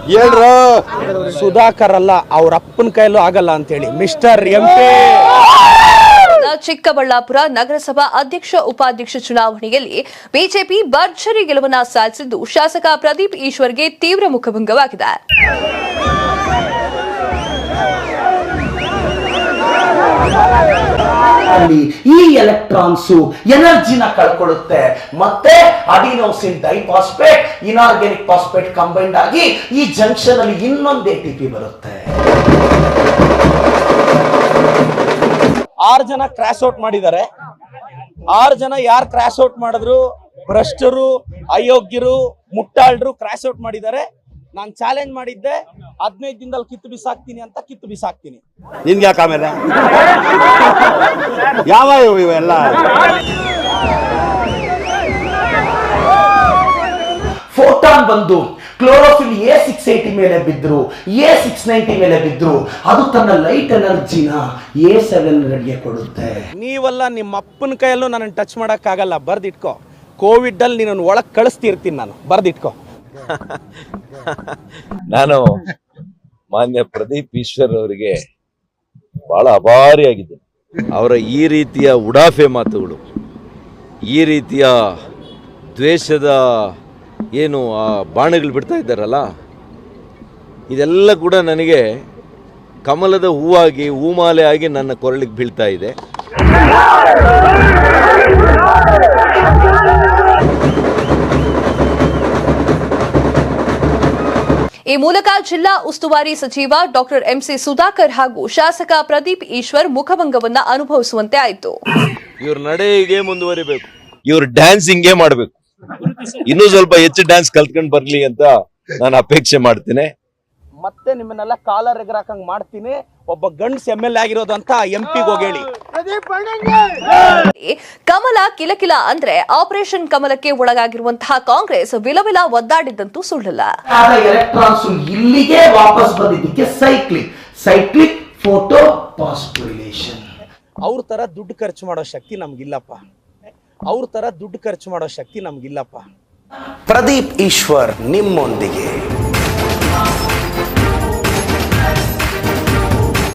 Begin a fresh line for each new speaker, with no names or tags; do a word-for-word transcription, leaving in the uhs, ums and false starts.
ಹೇಳ್ರು
ಸುಧಾಕರ್ ಅಲ್ಲ, ಅವ್ರ ಅಪ್ಪನ ಕೈಲೂ ಆಗಲ್ಲ ಅಂತೇಳಿ ಮಿಸ್ಟರ್ ಎಂ ಪಿ.
ಚಿಕ್ಕಬಳ್ಳಾಪುರ ನಗರಸಭಾ ಅಧ್ಯಕ್ಷ ಉಪಾಧ್ಯಕ್ಷ ಚುನಾವಣೆಯಲ್ಲಿ ಬಿಜೆಪಿ ಭರ್ಜರಿ ಗೆಲುವನ್ನ ಸಾಧಿಸಿದ್ದು ಶಾಸಕ ಪ್ರದೀಪ್ ಈಶ್ವರ್ಗೆ ತೀವ್ರ ಮುಖಭಂಗವಾಗಿದೆ.
ಈ ಎಲೆಕ್ಟ್ರಾನ್ಸ್ ಎನರ್ಜಿನ ಕಳ್ಕೊಳ್ಳುತ್ತೆ, ಮತ್ತೆ adenosine diphosphate inorganic phosphate combined ಆಗಿ ಈ ಜಂಕ್ಷನ್ ಅಲ್ಲಿ ಇನ್ನೊಂದು ಎ ಟಿ ಪಿ ಬರುತ್ತೆ.
ಆರು ಜನ ಕ್ರಾಶ್ ಔಟ್ ಮಾಡಿದ್ದಾರೆ. ಆರು ಜನ ಯಾರು ಕ್ರಾಶ್ ಔಟ್ ಮಾಡಿದ್ರು? ಭ್ರಷ್ಟರು, ಅಯೋಗ್ಯರು, ಮುಟ್ಟಾಳ್ರು ಕ್ರಾಶ್ ಔಟ್ ಮಾಡಿದ್ದಾರೆ. ನಾನು ಚಾಲೆಂಜ್ ಮಾಡಿದ್ದೆ, ಹದಿನೈದು ದಿನದಲ್ಲಿ ಕಿತ್ತು ಬಿಸಾಕ್ತೀನಿ ಅಂತ. ಕಿತ್ತು ಬಿಸಾಕ್ತೀನಿ.
ನಿನ್ಗೆ ಯಾಕೆ ಆಮೇಲೆ ಯಾವ ಇವೆಲ್ಲ
ಫೋಟಾನ್ ಬಂದು ಕ್ಲೋರೋಫಿಲ್ ಎ ಸಿಕ್ಸ್ ಏಟಿ ಮೇಲೆ ಬಿದ್ರು, ಎ ಸಿಕ್ಸ್ ನೈಂಟಿ ಮೇಲೆ ಬಿದ್ರು, ಅದು ತನ್ನ ಲೈಟ್ ಎನರ್ಜಿನ ಎ ಸೆವೆನ್ ಗೆ ಕೊಡುತ್ತೆ.
ನೀವಲ್ಲ, ನಿಮ್ಮ ಅಪ್ಪನ ಕೈಯಲ್ಲೂ ನನ್ನ ಟಚ್ ಮಾಡಕ್ ಆಗಲ್ಲ. ಬರ್ದಿಟ್ಕೋ. ಕೋವಿಡ್ ಅಲ್ಲಿ ನೀನು ಒಳಗ್ ಕಳಿಸ್ತಿರ್ತೀನಿ ನಾನು. ಬರ್ದಿಟ್ಕೋ.
ನಾನು ಮಾನ್ಯ ಪ್ರದೀಪ್ ಈಶ್ವರ್ ಅವರಿಗೆ ಬಹಳ ಅಭಾರಿಯಾಗಿದ್ದೇನೆ. ಅವರ ಈ ರೀತಿಯ ಉಡಾಫೆ ಮಾತುಗಳು, ಈ ರೀತಿಯ ದ್ವೇಷದ ಏನು ಆ ಬಾಣಗಳು ಬಿಡ್ತಾ ಇದ್ದಾರಲ್ಲ, ಇದೆಲ್ಲ ಕೂಡ ನನಗೆ ಕಮಲದ ಹೂವಾಗಿ ಹೂಮಾಲೆ ಆಗಿ ನನ್ನ ಕೊರಳಿಗೆ ಬೀಳ್ತಾ ಇದೆ.
ಈ ಮೂಲಕ ಜಿಲ್ಲಾ ಉಸ್ತುವಾರಿ ಸಚಿವ ಡಾಕ್ಟರ್ ಎಂಸಿ ಸುಧಾಕರ್ ಹಾಗೂ ಶಾಸಕ ಪ್ರದೀಪ್ ಈಶ್ವರ್ ಮುಖಭಂಗವನ್ನ ಅನುಭವಿಸುವಂತೆ ಆಯಿತು.
ಇವ್ರ ನಡೆ ಹೀಗೆ ಮುಂದುವರಿಬೇಕು, ಇವ್ರ ಡ್ಯಾನ್ಸ್ ಹಿಂಗೆ ಮಾಡಬೇಕು, ಇನ್ನೂ ಸ್ವಲ್ಪ ಹೆಚ್ಚು ಡ್ಯಾನ್ಸ್ ಕಲ್ತ್ಕೊಂಡು ಬರ್ಲಿ ಅಂತ ನಾನು ಅಪೇಕ್ಷೆ ಮಾಡ್ತೇನೆ.
ಮತ್ತೆ ನಿಮ್ಮನ್ನೆಲ್ಲ ಕಾಲರ್ ಎಗರಾಕಂಗ್ ಮಾಡ್ತೀನಿ. ಒಬ್ಬ ಗಂಡ್ಸ್ ಎಂ ಎಲ್ ಆಗಿರೋದು ಅಂತ ಎಂ ಪಿಗೆ ಹೋಗೇಳಿ.
ಕಮಲ ಕಿಲಕಿಲ ಅಂದ್ರೆ ಆಪರೇಷನ್ ಕಮಲಕ್ಕೆ ಒಳಗಾಗಿರುವಂತಹ ಕಾಂಗ್ರೆಸ್ ವಿಲವಿಲ ಒದ್ದಾಡಿದ್ದಂತೂ ಸುಳ್ಳಲ್ಲ.
ಎಲೆಕ್ಟ್ರಾನ್ಸ್ ಇಲ್ಲಿಗೆ ವಾಪಸ್ ಬಂದಿದ್ದಕ್ಕೆ ಸೈಕ್ಲಿಕ್ ಸೈಕ್ಲಿಕ್ ಫೋಟೋ ಪಾಸ್ಪಿಲೇಷನ್.
ಅವ್ರ ತರ ದುಡ್ಡು ಖರ್ಚು ಮಾಡೋ ಶಕ್ತಿ ನಮ್ಗಿಲ್ಲಪ್ಪ. ಅವ್ರ ತರ ದುಡ್ಡು ಖರ್ಚು ಮಾಡೋ ಶಕ್ತಿ ನಮ್ಗಿಲ್ಲಪ್ಪ.
ಪ್ರದೀಪ್ ಈಶ್ವರ್ ನಿಮ್ಮೊಂದಿಗೆ.